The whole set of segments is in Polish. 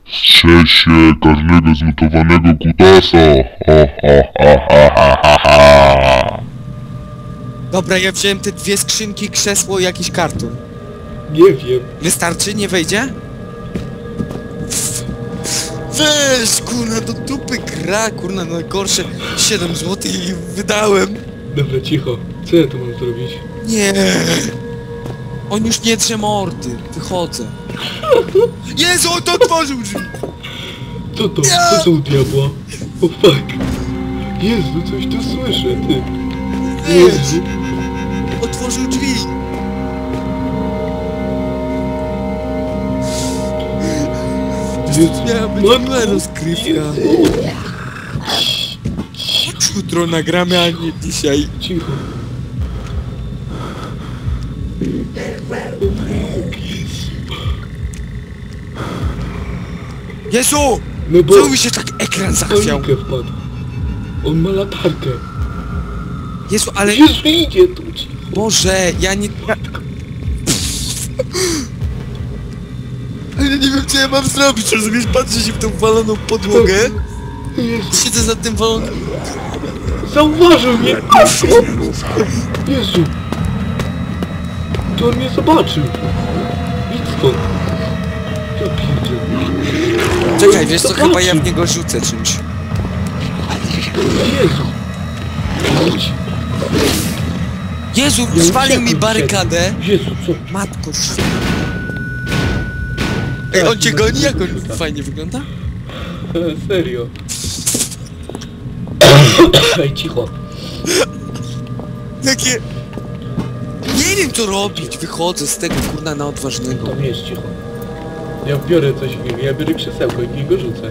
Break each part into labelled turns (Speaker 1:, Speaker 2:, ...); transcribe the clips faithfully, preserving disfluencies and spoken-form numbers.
Speaker 1: Strzel się każdego zmutowanego kutasa. Ha, ha, ha, ha, ha, ha.
Speaker 2: Dobra, ja wziąłem te dwie skrzynki, krzesło i jakiś karton.
Speaker 3: Nie wiem.
Speaker 2: Wystarczy? Nie wejdzie? Weź, kurna, do dupy gra, kurna, najgorsze siedem złotych i wydałem.
Speaker 3: Dobra, cicho. Co ja tu mam zrobić?
Speaker 2: Nie. On już nie drze mordy. Wychodzę. Jezu, on to otworzył drzwi.
Speaker 3: Co to? Co to u diabła? O fuck. Jezu, coś tu słyszę, ty. Jezu.
Speaker 2: Otworzył drzwi.
Speaker 3: Jezu.
Speaker 2: Miała być
Speaker 3: Matko.
Speaker 2: miła rozkrywka. Jutro nagramy, a nie dzisiaj.
Speaker 3: Cicho.
Speaker 2: Jezu!
Speaker 3: No bo...
Speaker 2: Czemu mi się tak ekran zachwiał?
Speaker 3: panikę wpadł. On ma latarkę.
Speaker 2: Jezu, ale...
Speaker 3: Jezu, idzie tu, cicho.
Speaker 2: Boże, ja nie... Ja... Ale nie wiem, co ja mam zrobić, rozumiesz? Patrzę się w tą waloną podłogę.
Speaker 3: Jezu.
Speaker 2: Siedzę za tym walonym...
Speaker 3: Zauważył mnie! Jezu! To on mnie zobaczył! Idź stąd! Ja pierdzielę.
Speaker 2: Czekaj, wiesz co, chyba ja w niego rzucę czymś.
Speaker 3: Jezu! Idź.
Speaker 2: Jezu,
Speaker 3: Ja
Speaker 2: zwalił mi
Speaker 3: uciekłem
Speaker 2: barykadę.
Speaker 3: przed- Jezu, co?
Speaker 2: Matko sz... Ej, on cię goni? Jak on fajnie wygląda?
Speaker 3: E, serio. Ej, cicho.
Speaker 2: Jakie... Nie wiem co robić, wychodzę z tego kurna na odważnego.
Speaker 3: Tam jest cicho. Ja biorę coś w niego, ja biorę krzesełko i w niego rzucę.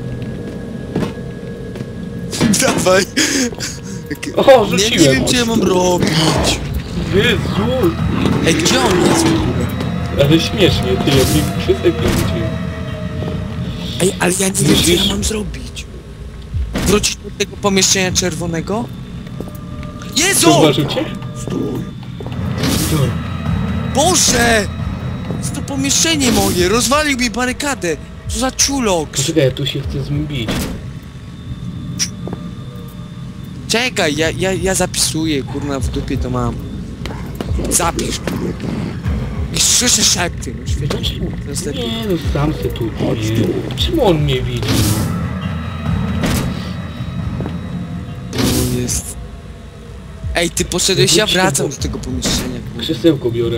Speaker 2: Dawaj!
Speaker 3: O,
Speaker 2: Nie,
Speaker 3: rzuciłem!
Speaker 2: nie wiem co ja mam robić.
Speaker 3: Jezu!
Speaker 2: Ej, gdzie on jest w ogóle?
Speaker 3: Ale śmiesznie, ty, ja w niego krzesełko rzuciłem.
Speaker 2: Ej, ale ja nie wiem co
Speaker 3: Myślisz?
Speaker 2: ja mam zrobić. Wrócić do tego pomieszczenia czerwonego? Jezu!
Speaker 3: Zauważył cię?
Speaker 2: Stój!
Speaker 3: Co?
Speaker 2: Boże! Jest to pomieszczenie moje, rozwalił mi barykadę! Co za czulok!
Speaker 3: Poczekaj, ja tu się chcę z nim bić.
Speaker 2: Czekaj, ja, ja, ja zapisuję, kurna, w dupie to mam. Zapisz. I słyszę szepty, no świetnie. To jest lepiej.
Speaker 3: Nie no, sam se tu. Nie. Czemu on mnie widzi?
Speaker 2: To jest... Ej, ty poszedłeś, ja wracam do tego pomieszczenia. kurwa.
Speaker 3: Krzesełko biorę.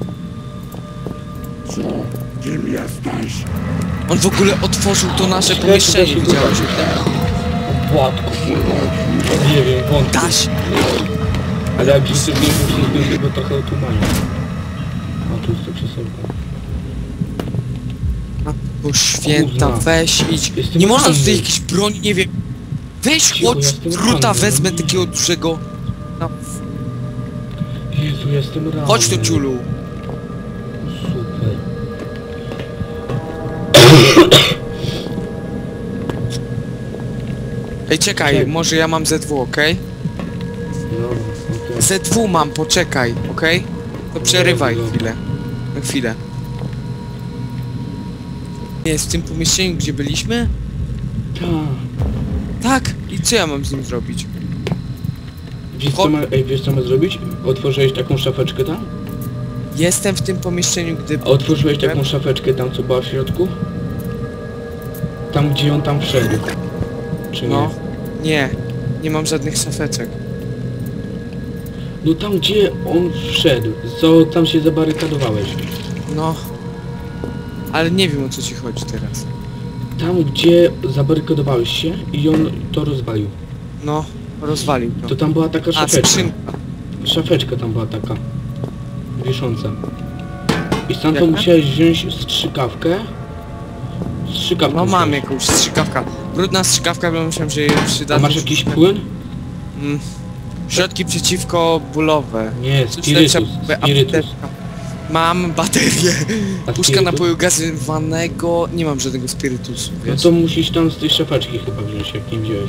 Speaker 1: Kim jesteś?
Speaker 2: On w ogóle otworzył to nasze
Speaker 3: Czekaj,
Speaker 2: pomieszczenie,
Speaker 3: czekaj,
Speaker 2: widziałeś?
Speaker 3: Płatko. Nie wiem, wątpię.
Speaker 2: Daś!
Speaker 3: Ale jak rzucę w niego, się z tego trochę otumanił. A tu jest to krzesełko.
Speaker 2: Bo święta,
Speaker 3: Kurna.
Speaker 2: weź idź.
Speaker 3: Jestem
Speaker 2: Nie można
Speaker 3: ranny.
Speaker 2: tutaj jakiejś broni, nie wiem. Weź
Speaker 3: Cicho,
Speaker 2: chodź,
Speaker 3: jestem
Speaker 2: druta
Speaker 3: ranny.
Speaker 2: wezmę takiego dużego. No,
Speaker 3: Jezu, jestem ranny.
Speaker 2: chodź tu ciulu.
Speaker 3: Super.
Speaker 2: Ej, czekaj,
Speaker 3: Czekaj.
Speaker 2: może ja mam Z W, okej?
Speaker 3: Dobra, okej.
Speaker 2: Z W mam, poczekaj, okej? To przerywaj
Speaker 3: Dobra.
Speaker 2: chwilę. Na chwilę. Jest w tym pomieszczeniu, gdzie byliśmy?
Speaker 3: Tak.
Speaker 2: Tak. I co ja mam z nim zrobić?
Speaker 3: Wiesz co ma, ej, wiesz co ma zrobić? Otworzyłeś taką szafeczkę tam?
Speaker 2: Jestem w tym pomieszczeniu, gdy...
Speaker 3: A otworzyłeś taką szafeczkę tam, co była w środku? Tam, gdzie on tam wszedł. Czy nie?
Speaker 2: No. Nie. Nie mam żadnych szafeczek.
Speaker 3: No tam, gdzie on wszedł. Co tam się zabarykadowałeś?
Speaker 2: No. Ale nie wiem, o co ci chodzi teraz.
Speaker 3: Tam, gdzie zabarykadowałeś się i on to rozwalił.
Speaker 2: No. Rozwalił to.
Speaker 3: To tam była taka
Speaker 2: A,
Speaker 3: szafeczka.
Speaker 2: skrzynka.
Speaker 3: Szafeczka tam była taka. Wisząca. I sam to
Speaker 2: Jaka?
Speaker 3: musiałeś wziąć strzykawkę. Strzykawkę
Speaker 2: No mam
Speaker 3: musiałeś.
Speaker 2: jakąś strzykawkę. Brudna strzykawka, bo myślałem, że jej przyda.
Speaker 3: A masz jakiś płyn?
Speaker 2: Mm. Środki przeciwko bólowe.
Speaker 3: Nie,
Speaker 2: Coś
Speaker 3: spirytus.
Speaker 2: lepsze,
Speaker 3: Spirytus.
Speaker 2: apteczka. Mam baterię.
Speaker 3: A
Speaker 2: Puszka
Speaker 3: spirytus?
Speaker 2: napoju gazowanego. Nie mam żadnego spirytusu,
Speaker 3: No
Speaker 2: wiesz?
Speaker 3: to musisz tam z tej szafeczki chyba wziąć, jak nie wziąłeś.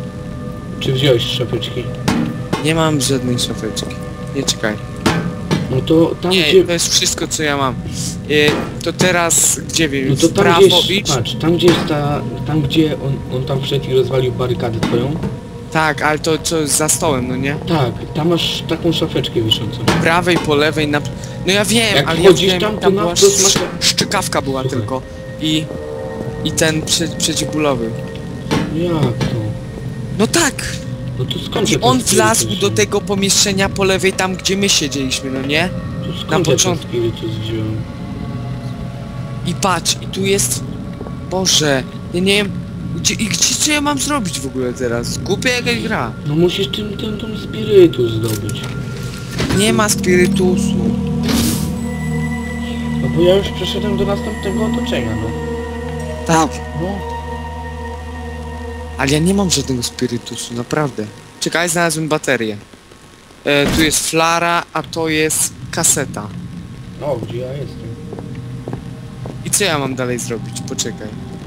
Speaker 3: Czy wziąłeś z szafeczki?
Speaker 2: Nie mam żadnej szafeczki. Nie czekaj.
Speaker 3: No to tam
Speaker 2: Nie,
Speaker 3: gdzie...
Speaker 2: to jest wszystko co ja mam. Y, to teraz gdzie wiem?
Speaker 3: No to
Speaker 2: w
Speaker 3: tam
Speaker 2: prawo
Speaker 3: gdzie jest,
Speaker 2: idź?
Speaker 3: patrz, tam gdzie jest ta... Tam gdzie on, on tam wszedł i rozwalił barykadę twoją.
Speaker 2: Tak, ale to co za stołem, no nie?
Speaker 3: Tak, tam masz taką szafeczkę wiszącą.
Speaker 2: Po prawej, po lewej, na... No ja wiem,
Speaker 3: Jak
Speaker 2: ale ja
Speaker 3: wchodzisz
Speaker 2: wiem,
Speaker 3: tam, to
Speaker 2: tam
Speaker 3: na
Speaker 2: była
Speaker 3: wprost masz-
Speaker 2: sz- szczykawka była
Speaker 3: Słuchaj.
Speaker 2: tylko. I... I ten prze, przeciwbólowy.
Speaker 3: Jak to?
Speaker 2: No tak!
Speaker 3: No to skąd
Speaker 2: I
Speaker 3: ja
Speaker 2: on
Speaker 3: ten
Speaker 2: wlazł
Speaker 3: spirytus
Speaker 2: do
Speaker 3: wziąłem?
Speaker 2: tego pomieszczenia po lewej, tam gdzie my siedzieliśmy, no nie?
Speaker 3: To skąd
Speaker 2: na
Speaker 3: ja ten
Speaker 2: początku.
Speaker 3: spirytus wziąłem?
Speaker 2: I patrz, i tu jest... Boże, ja nie wiem... Gdzie, i gdzie, co ja mam zrobić w ogóle teraz? Głupia jakaś gra.
Speaker 3: No musisz tym, ten, ten spirytus zdobyć.
Speaker 2: Nie ma spirytusu.
Speaker 3: No bo ja już przeszedłem do następnego otoczenia, no.
Speaker 2: Tak.
Speaker 3: No.
Speaker 2: Ale ja nie mam żadnego spirytusu, naprawdę. Czekaj, znalazłem baterię. E, tu jest flara, a to jest kaseta.
Speaker 3: O, gdzie ja jestem?
Speaker 2: I co ja mam dalej zrobić? Poczekaj.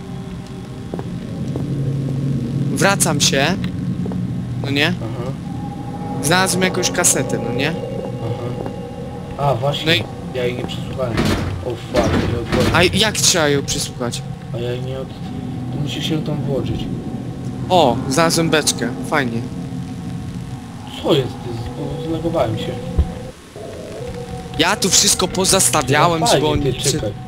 Speaker 2: Wracam się. No nie?
Speaker 3: Aha,
Speaker 2: Znalazłem jakąś kasetę, no nie?
Speaker 3: aha. A, właśnie.
Speaker 2: No i-
Speaker 3: Ja jej nie przesłuchałem. O fuck, nie odwoliłem.
Speaker 2: A jak trzeba ją przysłuchać?
Speaker 3: A ja jej nie od... To musisz się tam włożyć.
Speaker 2: O, znalazłem beczkę. Fajnie.
Speaker 3: Co jest? Ty, bo zlegowałem się.
Speaker 2: Ja tu wszystko pozastawiałem,
Speaker 3: No
Speaker 2: żeby
Speaker 3: fajnie,
Speaker 2: oni...
Speaker 3: ty, czekaj.